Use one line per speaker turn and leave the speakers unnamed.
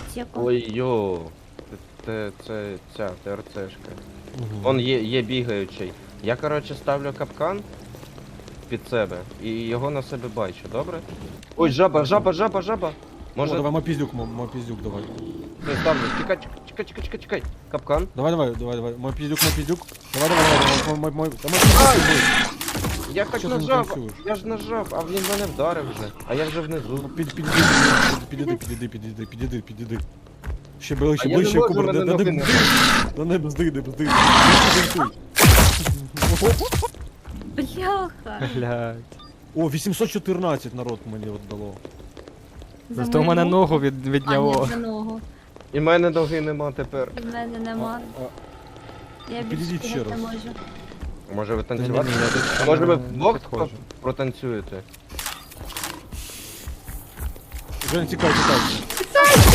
аптеку.
Ой, йо. Це ця ТРЦшка.
Угу.
Он є бігаючий. Я, коротше, ставлю капкан під себе і його на себе бачу, добре? Ой, жаба!
О,
Може,
давай, мой пиздюк, давай.
я ставлю. Чекай. Капкан.
Давай. Мой пиздюк. Давай, мой.
Я так
Що ти не
нажав,
танцюєш?
я ж нажав, а він мене вдарив вже. А я вже внизу.
Підійди. Ще ближче,
А я не можу,
кубер,
мене ноги не-
не бзди.
Бляха.
Блядь.
О, 814 народ мені от дало.
За
Зато в мене
мою
ногу
руку.
відняло.
А, ні, за ногу.
І в мене ноги нема тепер.
І в мене нема. Я
підійдіть
більше
ще
бігати не
раз.
можу.
Може ви
Ні,
танцювати?
ні, я тут
Може ви
не
вдвох
підходжу.
протанцюєте?
Жень, тікай.